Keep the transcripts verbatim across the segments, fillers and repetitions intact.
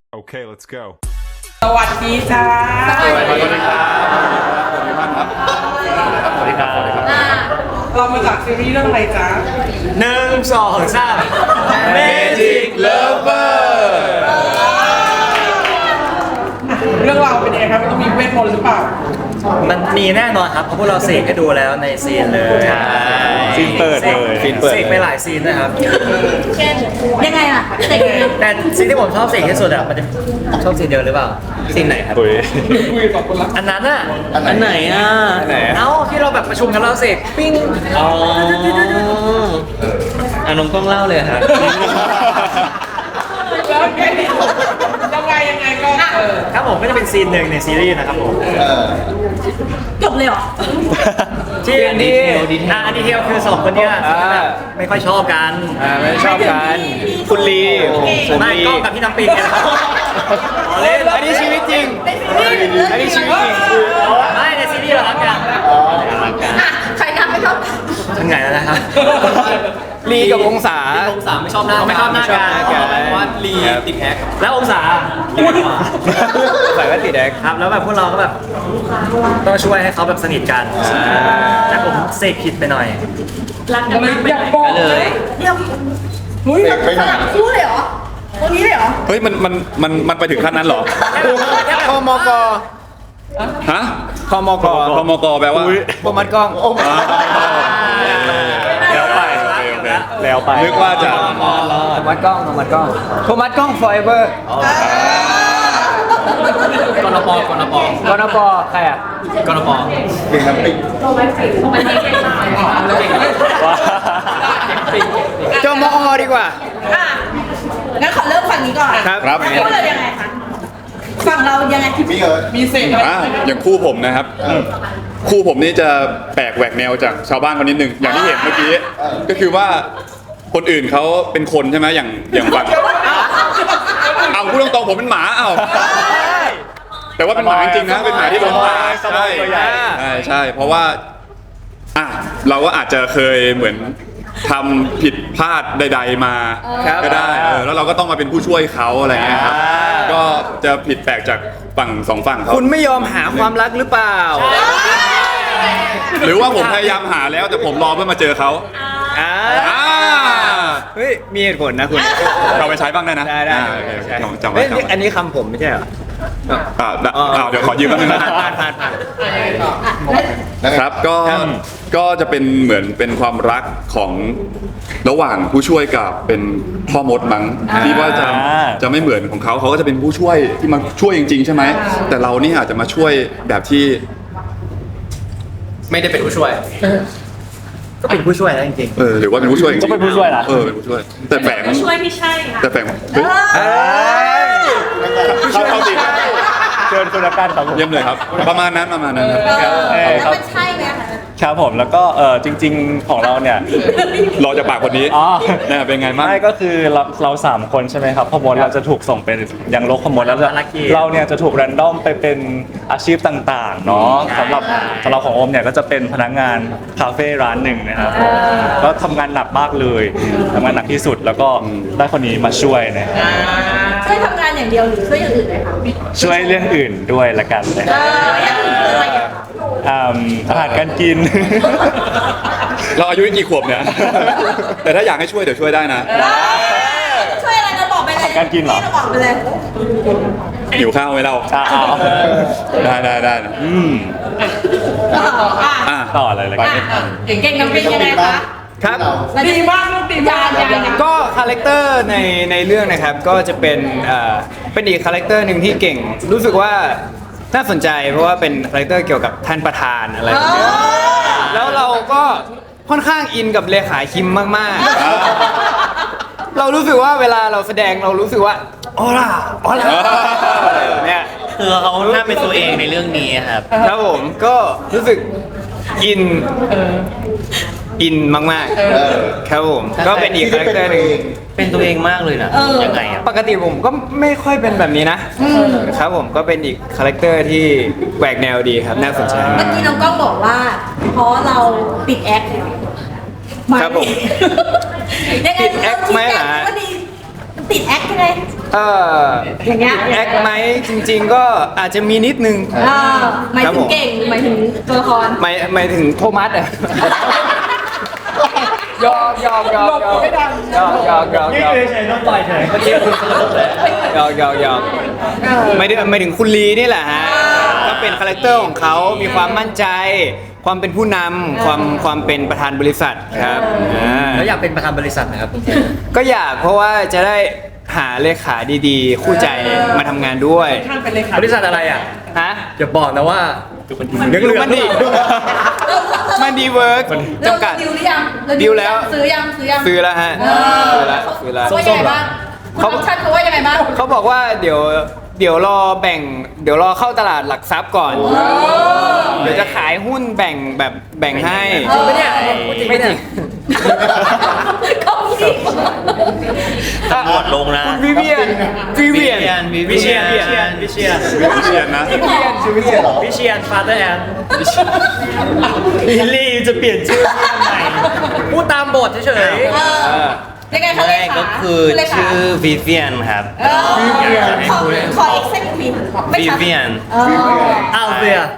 Okay, let's go. สวัสดีจ้าสวัสดีครับสวัสดีครับสวัสดีครับเรามาจากซีรีส์เรื่องอะไรจ๊ะหนึ่งสองสาม Magic Lover เรื่องราวเป็นยังไงครับมันต้องมีเวทมนต์หรือเปล่ามันมีแน่นอนครับเพราะพวกเราเสกให้ดูแล้วในซีนเลยซีนเปิดเลยซีนเปิดเสกไปหลายซีนนะครับเช่นยังไงล่ะเด็กยังไงแต่ซีนที่ผมชอบเสกที่สุดอะมันจะชอบซีนเดียวหรือเปล่าซีนไหนครับคุยกับคนรักอันนั้นอะอันไหนอ่ะไหนเอ้าที่เราแบบประชุมกันแล้วเสกปิ้งอ๋ออ่ะน้องกล้องเล่าเลยครับแล้วไงยังไงยังไงก็เออครับผมก็จะเป็นซีนหนึ่งในซีรีส์นะครับผมจบเลยเหรอที่อันนี้อ่ะอันนี้เทลคือสองคนเนี้ยไม่ค่อยชอบกันอ่าไม่ชอบกันคุณลีผมไม่ลีก็กับพี่น้ำปิงเนี่ยนะครับเล่นอันนี้ชีวิตจริง อันนี้ชีวิตจริงไม่ในซีรีส์เรารักกันอ่ะใครทำไม่ชอบถึงไหนแล้วนะครับลีกับองศาองศาไม่ชอบหน้าไม่ชอบหน้ากันเพราะว่าลีติดแฮกแล้วองศาใส่แว่นติดแดกครับแล้วแบบพวกเราก็แบบต้องช่วยให้เขาแบบสนิทกันแต่ผมเสกผิดไปหน่อยรักกัก็นเลยมากอยากบอกก็เลยเดี๋ยวเฮ้ยสลับคู่เลยเหรอตรงนี้เลยเหรอเฮ้ยมันมันมันมันไปถึงขั้นนั้นเหรอคมกฮะคมกพมกแปลว่าโปรมัดกล้องแล้วไปแล้วไปนึกว่าจะโปรมัดกล้องโปรมัดกล้องโปรมัดกล้อง forever กนปกนปกนปใครอ่ะกนปเก่งน้ำปิงจมอดีกว่าอ่ะงั้นขอเริ่มฝั่งนี้ก่อนครับครับคู่เรายังไงคะฝั่งเรายังไงมีเศษอะไรอ่ะอย่างคู่ผมนะครับ คู่ผมนี่จะแปลกแหวกแนวจากชาวบ้านคนนิดนึงอย่างที่เห็นเมื่อกี้ก็คือว่าคนอื่นเขาเป็นคนใช่ไหมอย่างอย่างฝั่งเอาพูดตรงๆผมเป็นหมาเอ้าแต่ว่าเป็นหมาจริงๆนะเป็นหมาที่ผมตาใช่ใช่ใช่เพราะว่าอ่ะเราก็อาจจะเคยเหมือนทำผิดพลาดใด ๆ มาครับก็ได้เออแล้วเราก็ต้องมาเป็นผู้ช่วยเขาอะไรเงี้ยครับก็จะผิดแปลกจากฝั่งสองฝั่งเขาคุณไม่ยอมหาความรักหรือเปล่าหรือว่าผมพยายามหาแล้วแต่ผมรอเพื่อมาเจอเขาอ่าอ่าเฮ้ย มีเหตุผลนะคุณเราไปใช้บ้างได้นะได้ได้อ่าโอเคโอเคจำจำไว้เฮ้ยจำนี่ไว้อันนี้คำผมไม่ใช่เหรออ่าได้อ่าเดี๋ยวขอยืมแป๊บนึงนะผ่านผ่านผ่านครับก็ก็จะเป็นเหมือนเป็นความรักของระหว่างผู้ช่วยกับเป็นพ่อมดมั้งที่ว่าจะจะไม่เหมือนของเขาเขาก็จะเป็นผู้ช่วยที่มาช่วยจริง ๆ ใช่ไหมแต่เรานี่อาจจะมาช่วยแบบที่ไม่ได้เป็นผู้ช่วยก็เป็นผู้ช่วยแล้วจริงเออหรือว่าเป็นผู้ช่วยจริงๆก็เป็นผู้ช่วยเหรอเออเป็นผู้ช่วย แต่แฝงช่วยที่ใช่ค่ะแต่แฝงเฮ้ยเอ้ยเข้าเข้าติดเชิญคุณอาการครับผมเยี่ยมเลยครับ ประมาณนั้นประมาณนั้นครับเออแล้วมันใช่ไหมคะครับผมแล้วก็เออจริง ๆของเราเนี่ยรอจากปากคนนี้อ๋อเนี่ยเป็นไงบ้างไม่ก็คือเราเราสามคนใช่ไหมครับพอมดเราจะถูกส่งเป็นยังโลกพมดแล้วเราเนี่ยจะถูกแรนดอมไปเป็นอาชีพต่างๆเนาะสำหรับสำหรับของโอมเนี่ยก็จะเป็นพนักงานคาเฟ่ร้านหนึ่งนะครับผมก็ทำงานหนักมากเลยทำงานหนักที่สุดแล้วก็ได้คนนี้มาช่วยนะครับช่วยทำงานอย่างเดียวหรือช่วยอย่างอื่นไหมคะช่วยเรื่องอื่นด้วยละกันนะคเอรับออย่างอื่นคืออะไรอ่ะอ่าอาหารการกินเราอายุกี่ขวบเนี่ย แต่ถ้าอยากให้ช่วยเดี๋ยวช่วยได้นะช่วยอะไรเราบอกไปเลยการกินเหรอเราบอกไปเลยหิวข้าวไหมเราอ่าเอาได้ได้ได้นะอืมอ่ะอ่ะต่ออะไรเลยอ่ะเก่งเก่งน้ำเป็นยังไงคะครับดีมากลูกดีมากยายาก็คาแรคเตอร์ในในเรื่องนะครับ ก็จะเป็นเอ่อเป็นอีกคาแรคเตอร์หนึ่งที่เก่ง รู้สึกว่าน่าสนใจเพราะว่าเป็นคาแรคเตอร์เกี่ยวกับท่านประธานอะไรแบบนี้แล้วเราก็ค่อนข้างอินกับเลขาคิมมากๆ เรารู้สึกว่าเวลาเราแสดงเรารู้สึกว่าอ๋อล่ะอ๋อล่ะอะไรแบบเนี่ยคือเขาหน้าเป็นตัวเองในเรื่องนี้ครับครับผมก็รู้สึกอินอินมากๆครับผมก็เป็นอีกคาแรคเตอร์หนึ่งเป็นตัวเองมากเลยนะยังไงอ่ะปกติผมก็ไม่ค่อยเป็นแบบนี้นะครับผมก็เป็นอีกคาแรคเตอร์ที่แหวกแนวดีครับน่าสนใจเมื่อกี้น้องก้องบอกว่า เพราะเราติดแอคครับผมยังไงติดแอคไหมล่ะว่าดีติดแอคยังไงเอออย่างเงี้ยแอคไหมจริง ๆ ก็อาจจะมีนิดนึงเออหมายถึงเก่งหมายถึงตัวละครหมายหมายถึงโทมัสอะยอกยอกยอกยอกยอกยอกยอกนี่ยอกคือเฉยๆน้องปล่อยเฉยเมื่อกี้คุณคุณเลยยอกยอกยอกไม่ถึงไม่ถึงคุณลีนี่แหละฮะก็เป็นคาแรคเตอร์ของเขามีความมั่นใจ ความเป็นผู้นำความความเป็นประธานบริษัทครับอ่าแล้วอยากเป็นประธานบริษัทนะครับคุณเทนก็อยากเพราะว่าจะได้หาเลขาดีๆ คู่ใจมาทำงานด้วยข้างเป็นเลยค่ะบริษัทอะไรอ่ะฮะอย่าบอกนะว่าเรื่องมันดีมันดีเวิร์กจำกัดดิวหรือยังเราดิวแล้วซื้อยังซื้อยังซื้อแล้วฮะเอซื้ออแล้วซื้อแล้วเขาว่ายังไงบ้างคุณฟังก์ชันเขาว่ายังไงบ้างเขาบอกว่าเดี๋ยวเดี๋ยวรอแบ่ง เดี๋ยวรอเข้าตลาดหลักทรัพย์ก่อน เดี๋ยวจะขายหุ้นแบ่งแบบแบ่งให้จริงปะเนี่ยพูดจริงปะเนี่ยเขาสิตำรวจลงนะคุณวิเวียนวิเวียนวิเชียนวิเชียนวิเชียนวิเชียนนะวิเชียนฟาเตอร์แอนลิลลี่จะเปลี่ยนชื่อทำไมพูดตามบทเฉยเออยังไงเขาเลไม่ยก็คือชื่อวิเวียนครับขอขอเอ็กเซนต์อีกทีวิเวียนเออๆอ้าวเสีย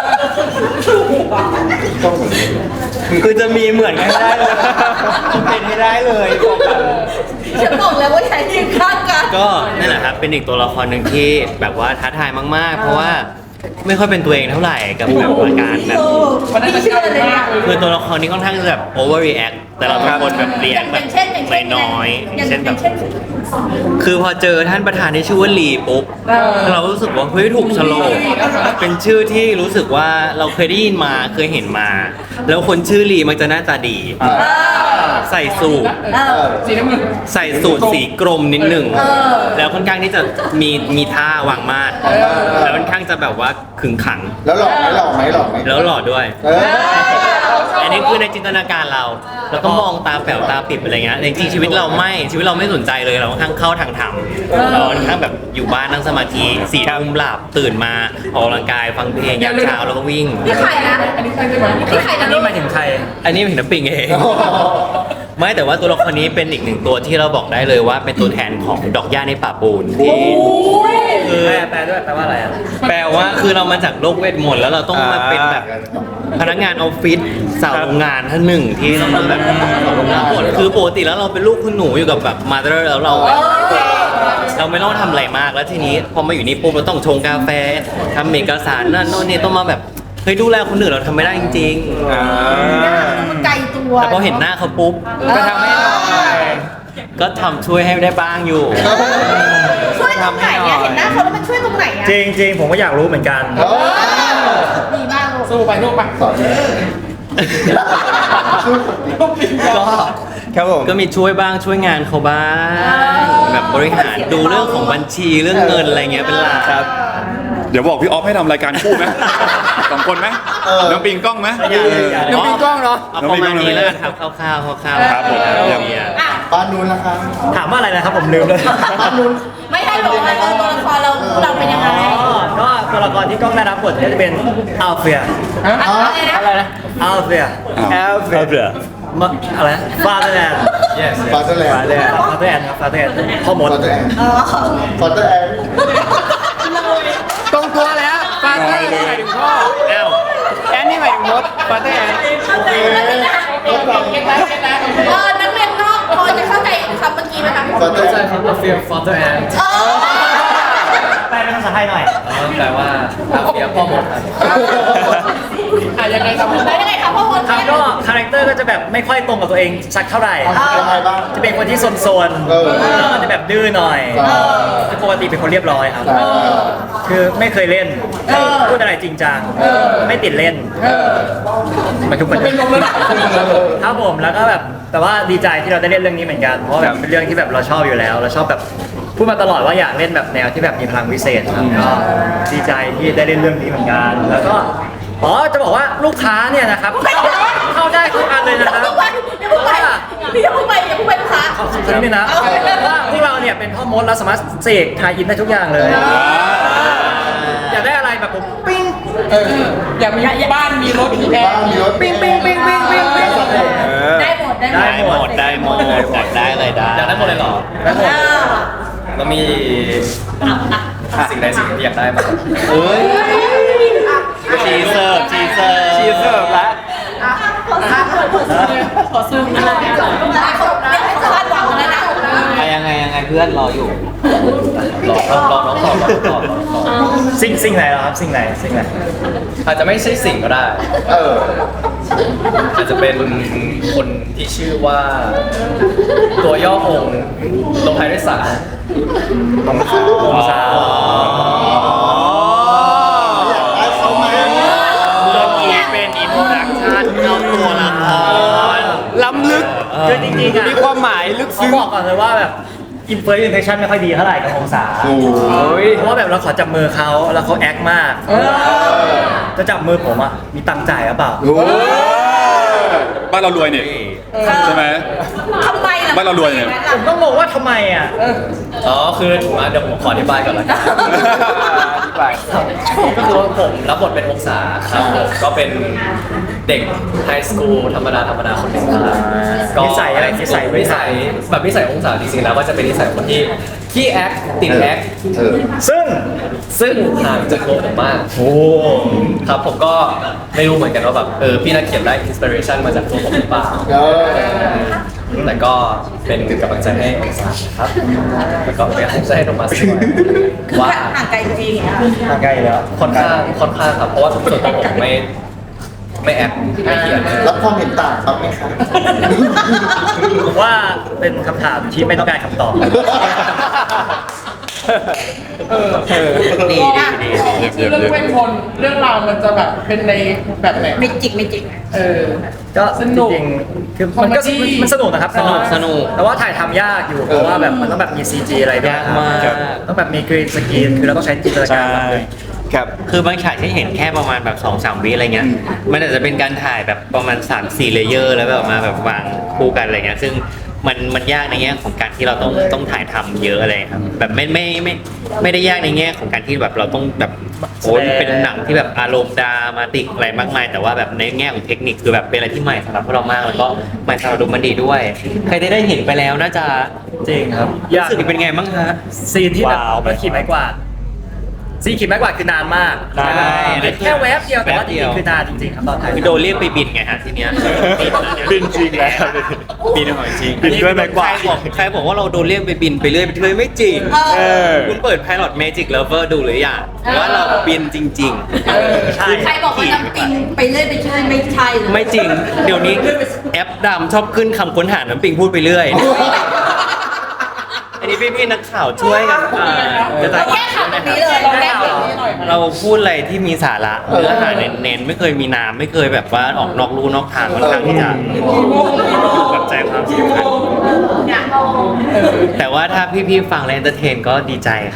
คือจะมีเหมือนกันได้เลยเป็นไม่ได้เลยบอกกันฉันบอกแล้วว่าอย่ายืนข้างกันก็นั่นแหละครับเป็นอีกตัวละครหนึ่งที่แบบว่าท้าทายมากๆ เพราะว่าไม่ค่อยเป็นตัวเองเท่าไหร่กับแบบอาการแบบไม่เชื่อเลยอะคือตัวละครนี้ค่อนข้างจะแบบ overreact แต่เราเป็นคนแบบเรียอน ย่างแบเป็บนเช่นอย่างเช่นน้อยอย่างๆเช่นแบบเช่นคือพอเจอท่านประธานที่ชื่อว่าลีปุ๊บเรารู้สึกว่าเฮ้ยถูกชะโลกเป็นชื่อที่รู้สึกว่าเราเคยได้ยินมาเคยเห็นมา แล้วคนชื่อลีมันจะหน้าตาดี ใส่สูทเออสีน้ำเงินใส่สูทสีกรมนิดหนึ่งแล้วค่อนข้างที่จะมีมีท่าวางมาดแล้วค่อนข้างจะแบบว่าขึงขังแล้วหลอกไหมหลอกไหมหลอกไหมแล้วหล่อด้วยเอออันนี้คือในจินตนาการเรา แล้วก็มองตาแป๋วตาปิดอะไรเงี้ยแต่จริงๆชีวิตเราไม่ชีวิตเราไม่สนใจเลยเราค่อนข้างเข้าทางธรรมเราค่อนข้างแบบอยู่บ้านนั่งสมาธิสี่ทุ่มหลับตื่นมาออกกำลังกายฟังเพลงยามเช้าแล้วก็วิ่งนี่ใครนะนี่ใครนะอันนี้หมายถึงใครอันนี้เป็นน้ำปิงเอง ไม่แต่ว่าตัวละครนี้เป็นอีกหนึ่งตัวที่เราบอกได้เลยว่าเป็นตัวแทนของดอกหญ้าในป่าปูนที่คือแปลแปลด้วยแปลว่าอะไรอ่ะแปลว่าคือเรามาจากโลกเวทมนต์แล้วเราต้องมาเป็นแบบพนักงานออฟฟิศสาวโรงงานท่านหนึ่งที่ต้องมาแบบรับบทคือปกติแล้วเราเป็นลูกคุณหนูอยู่กับแบบมาเตอร์แล้วเราแบบเราไม่ต้องทำอะไรมากแล้วทีนี้พอมาอยู่นี่ปุ๊บเราต้องชงกาแฟทำเอกสารนั่นโน่นนี่ต้องมาแบบเฮ้ยดูแลคนอื่นเราทำไม่ได้จริงอ่ามันไกลตัวๆแต่พอเห็นหน้าเขาปุ๊บก็ทำให้หน่อยก็ทำช่วยให้ได้บ้างอยู่ช่วยตรงไหนอะเห็นหน้าเขาแล้วมันช่วยตรงไหนอะจริงจริงๆผมก็อยากรู้เหมือนกันดีมากลูกสู้ไปลูกไปสอนลูกก็ครับผมก็มีช่วยบ้างช่วยงานเขาบ้าง แบบบริหารดูเรื่องของบัญชีเรื่องเงินอะไรเงี้ยเป็นหลักครับเดี๋ยวบอกพี่ออฟให้ทำรายการคู่ไหมสองคนไหมน้องปิงกล้องไหมน้องปิงกล้องเนาะเอาประมาณนี้แล้วกันครับคร่าวๆคร่าวๆครับผมเยี่ยมอ่ะบ้านนู้นนะคะถามว่าอะไรนะครับผมลืมเลยไม่ให้บอกว่าเออตัวละครเราเราเป็นยังไงอ๋อก็ตัวละครที่กล้องได้รับบทก็จะเป็นอัลเฟียอะไรนะอะไรนะอัลเฟียแอลเฟรดมะอะไรฟาเตอร์แอน yes ฟาเตอร์แลนด์ฟาเตอร์แอนฟาเตอร์แอนครับฟาเตอร์แอนพ่อมดฟาเตอร์แอนอ๋อฟาเตอร์แอนตรงตัวแล้วฟาเตอร์หมายถึงพ่ออ้าวแอนนี่หมายถึงมดฟาเตอร์แอนเออนักเรียนนอกพอจะเข้าใจคำเมื่อกี้ไหมคะฟาเตอร์แอนอัลเฟียฟาเตอร์แอนเออแปลเป็นภาษาไทยหน่อยแปลว่าอัลเฟียพ่อมดครับอ่ะยังไงครับแล้วยังไงคะพ่อมดครับก็คาแรคเตอร์ก็จะแบบไม่ค่อยตรงกับตัวเองสักเท่าไหร่ยังไงบ้างจะเป็นคนที่โซนเออๆแล้วก็จะแบบดื้อหน่อยเออคือปกติเป็นคนเรียบร้อยครับเออคือไม่เคยเล่น พูดอะไรจริงจัง ไม่ติดเล่นมาทุกประเด็นครับผม แล้วก็แบบ แต่ว่าดีใจที่เราได้เล่นเรื่องนี้เหมือนกัน เพราะว่าแบบเป็นเรื่องที่แบบเราชอบอยู่แล้ว เราชอบแบบพูดมาตลอดว่าอยากเล่นแบบแนวที่แบบมีพลังวิเศษครับก็ดีใจที่ได้เล่นเรื่องนี้เหมือนกัน แล้วก็อ๋อจะบอกว่าลูกค้าเนี่ยนะครับเข้าได้ทุกอันเลยนะอย่าครับเพิ่งไปอย่าเพิ่งไปอย่าเพิ่งไปอย่าเพิ่งไปลูกค้าขอบคุณนี่นะว่าพวกเราเนี่ยเป็นพ่อมดแล้วสามารถเสกทายอินได้ทุกอย่างเลย อยากได้อะไรแบบผมปิ้งเอออยากมีบ้านมีรถมีแอบ้านร์มีรถปิ้งปิ้งปิ้งปิ้งปิ้งปิ้งได้หมดได้หมได้ดหมดได้หมดอยากได้อะไรได้อยากได้หมดเลยเหรอได้หมดอ่าเรามีสิ่งใดสิ่งหนึ่งที่อยากได้บ้างเอ้ยชีเสิร์ฟชีเสิร์ฟชีเสิร์ฟละขอซึมนะคาดหวังแล้วนะอะยังไงยังไงเพื่อนรออยู่รอรอรอน้องตอบรอตอบรอตอบสิ่งสิ่งไหนเหรอครับสิ่งไหนสิ่งไหนอาจจะไม่ใช่สิ่งก็ได้เอออาจจะเป็นคนที่ชื่อว่า ตัวย่อองค์ลงท้ายด้วยสาองศาอยากได้เขาไหมเมื่อกี้เป็นอินโทรดักชั่นเข้าตัวละครล้ำลึกคือจริงๆอ่ะมีความหมายลึกเขาซึ้งบอกก่อนเลยว่าแบบอินเฟอร์เ t ชันไม่ค่อยดีเท่าไหร่กับองศาโอ้ยเพราะว่าแบบเราขอจับมือเขาแล้วเขาแอคมาก จะจับมือผมอ่ะ มีตังค์จ่ายหรือเปล่าโอ้บ้านเรารวยเนี่ยใช่ไหมทำไมล่ะบ้านเรารวยเนี่ยผมต้องบอกว่าทำไมอ่ะอ๋อคือมาเดี๋ยวผมขออธิบายก่อนละกันอธิบายก็คือว่าผมรับบทเป็นองศาครับผมก็เป็นเด็กไฮสคูลธรรมดาธรรมดาคนหนึ่งครับก็นิสัยอะไรนิสัยนิสัยแบบนิสัยองศาจริงๆแล้วก็จะเป็นนิสัยคนที่ขี้แอคติดแอคเออซึ่งซึ่งห่างจากตัวผมมากโอ้ครับผมก็ไม่รู้เหมือนกันว่าแบบเออพี่นักเขียนได้อินสปิเรชันมาจากตัวผมหรือเปล่าเออแต่ก็เป็นกำลังใจให้องศานะครับแล้วก็เป็นกำลังใจให้โทมัสด้วยว่าห่างไกลตัวเองอ่ะห่างไกลแล้วค่อนข้างค่อนข้างครับ เพราะว่าส่วนตัวผมไม่ไม่แอบไม่เขียนรับความเห็นต่างบ้างไหมคะผมว่าเป็นคำถามที่ไม่ต้องการคำตอบดีดีดีเยี่ยมเยี่ยมเรื่องเยี่ยมเวทมนต์เรื่องราวมันจะแบบเป็นในแบบไหนไม่จิกไม่จิกเออก็สนุกจริงๆคือมันก็คอมเมดี้มันสนุกนะครับสนุกสนุกแต่ว่าถ่ายทำยากอยู่เพราะว่าแบบมันต้องแบบมี ซี จี อะไรด้วยยากครับมากต้องแบบมีกรีนสกรีนคือเราต้องใช้จินตนาการใช่ครับคือบางฉากที่เห็นแค่ประมาณแบบสองสามวิอะไรเงี้ย มันอาจจะเป็นการถ่ายแบบประมาณสามสี่เลเยอร์แล้วแบบมาแบบวางคู่กันอะไรเงี้ย ซึ่งมันมันยากในแง่ของการที่เราต้องต้องถ่ายทำเยอะอะไรครับ แบบไม่ไม่ไม่ไม่ได้ยากในแง่ของการที่แบบเราต้องแบบโอ้ยเป็นหนังที่แบบอารมณ์ดรามาติกอะไรมากมาย แต่ว่าแบบในแง่ของเทคนิคคือแบบเป็นอะไรที่ใหม่สำหรับพวกเรามาก แล้วก็ใหม่สำหรับดูมันดีด้วย ใครได้ได้เห็นไปแล้วน่าจะจริงครับรู้สึกเป็นไงบ้างฮะซีนที่แบบว้าวมันขี่ไม้กวาดซีนขี่ไม้กวาดคือนานมากนานใช่แค่แวบเดียวแต่ว่าจแวบเดีริยวงๆคือนานจริงๆครับตอนถ่ายคือโดนเรียกไปบินไงฮะทีเนี้ยบินจริงแล้วบินของจริงบินด้วยไม้กวาดใครบอกใครบอกว่าเราโดนเรียกไปบินไปเรื่อยไปเรื่อยไม่จริงเออคุณเปิด Pilot Magic Lover ดูหรือยังว่าเราบินจริงใช่ใครบอกว่าน้ำปิงไปเรื่อยไปเรื่อยไม่ใช่เลยๆ ไม่จริง เดี๋ยวนี้แอปดำชอบขึ้นคำค้นหาน้ำปิงพูดไปเรื่อย อันนี้พี่ๆนักข่าวช่วยกันอ่าจะเราแก้ข่าวแบบนี้เลยเราแก้ข่าวเราพูดอะไรที่มีสาระเนื้อหาเน้นๆไม่เคยมีน้ำไม่เคยแบบว่าออกนอกลู่นอกทางค่อนข้างที่จะแบบใจความสำคัญแต่ว่าถ้าพี่ๆฟังแล้วเอนเตอร์เทนก็ดีใจครับ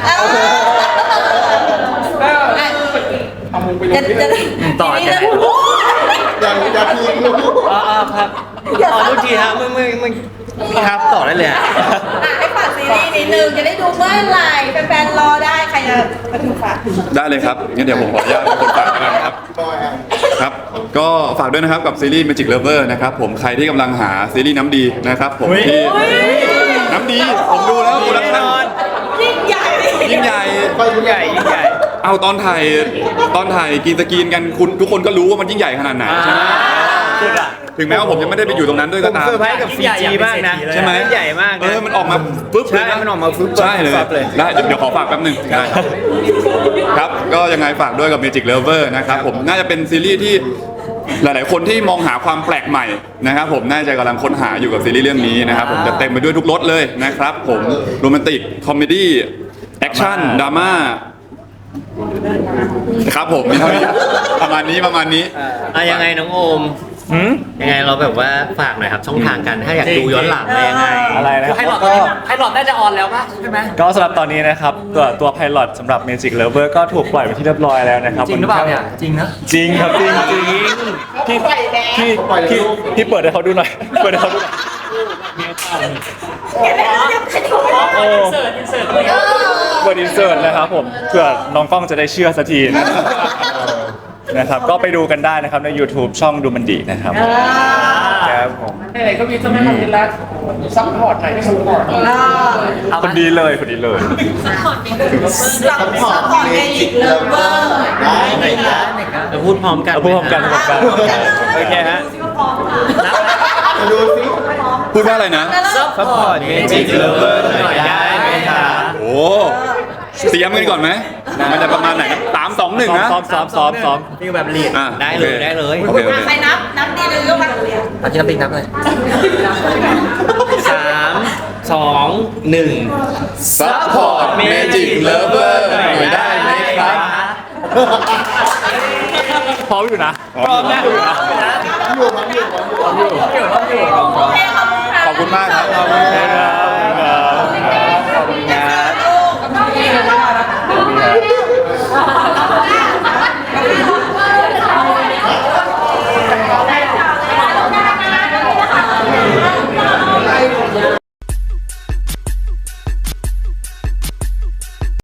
เอามือไปลจะงที่จะต่อทีจะนี้ไหนเรื่องอย่าอย่าทิ้งลูกอ๋อครับอ๋อทุกทีฮะมึงมึงมึงครับต่อได้เลยฮะอ่ะให้ฝากซีรีส์นิดนึงจะได้ดูเมื่อไหร่แฟนๆรอได้ใครจะมาถึงฝากได้เลยครับงั้นเดี๋ยวผมขออนุญาตเป็นคนฝากนะครับบอยอ่ะครับ ก็ฝากด้วยนะครับกับซีรีส์ Magic Lover นะครับผมใครที่กำลังหาซีรีส์น้ำดีนะครับผมที่น้ำดีผมดูแล้วโปรดักชั่นยิ่งใหญ่ยิ่งใหญ่ไปยิ่งใหญ่ยิ่งใหญ่เอาตอนถ่ายตอนถ่ายกินสกรีนกันคุณทุกคนก็รู้ว่ามันยิ่งใหญ่ขนาดไหนใช่ไหมสุดอะถึงแม้ว่าผมจะไม่ได้ไปอยู่ตรงนั้นด้วยผก็มตามเซอร์ไพรส์กับ ซี จี มากนะใช่ไหมใหญ่มากเอนะอมันออกมาปึ๊บเลยใช่นะมันออกมาปึ๊บใช่เลยปั๊บเลยได้เดี๋ยวเดี๋ยวขอฝากแป๊บหนึงได้ครับครับก็ยังไงฝากด้วยกับ Magic Lover นะครับผมน่าจะเป็นซีรีส์ที่หลาย ๆ คนที่มองหาความแปลกใหม่นะครับผมน่าจะกำลังค้นหาอยู่กับซีรีส์เรื่องนี้นะครับผมจะเต็มไปด้วยทุกรสเลยนะครับผมโรแมนติกคอมเมดี้แอคชั่นดราม่าครับผมมีเท่านี้ประมาณนี้ประมาณนี้อ่ะยังไงน้องโอมหืมยังไงเราแบบว่าฝากหน่อยครับช่องทางกันถ้าอยากดูย้อนหลังอะไรยังไงอะไรนะคไพรับลอตก็ไพลอตน่าจะออนแล้วป่ะใช่ไหมก็สำหรับตอนนี้นะครับ ตัวตัวไพลอตสำหรับ Magic Lover ก็ถูกปล่อยไปที่เรียบร้อยแล้วนะครับจริงหรือเปล่าเนี่ยจริงนะจริงครับจริงจริงพี่พี่พี่พี่เปิดให้เขาดูหน่อยเปิดให้เขาดูหน่อยโอ้เสิร์ชอินเสิร์ตเปิดอินเสิร์ตนะครับผมเพื่อน้องกล้องจะได้เชื่อสักทีนะนะครับก็ไปดูกันได้นะครับใน YouTube ช่องดูมันดีนะครับครับครับผมไหนๆก็มีเจ้าแม่คอนเทนต์แล้วซัพพอร์ตหน่อยซัพพอร์ตคนดีเลยคนดีเลยซัพพอร์ตเมจิกเลเวอร์ได้ไหมคะจะพูดพร้อมกันเอาพูดพร้อมกันพร้อมกันโอเคฮะดูสิพูดว่าอะไรนะซัพพอร์ตเมจิกเลเวอร์หน่อยได้ไหมคะโอ้เตรียมกันก่อนไหมมันจะประมาณไหนนะสามสองหนึ่งนะซ้อมซ้อมซ้อมซ้อมนี่แบบลีดอ่ะได้เลยได้เลยโอเคโอเคใครนับ นับดีเลยยกมาเอาที่น้ำปิงนับเลยสามสองหนึ่งซัพพอร์ตเมจิกเลเวอร์หน่อยได้ไหมครับพร้อมอยู่นะพร้อมนะอยู่มั้งอยู่มั้งอยู่โอเคขอบคุณค่ะขอบคุณมากครับขอบคุณครับ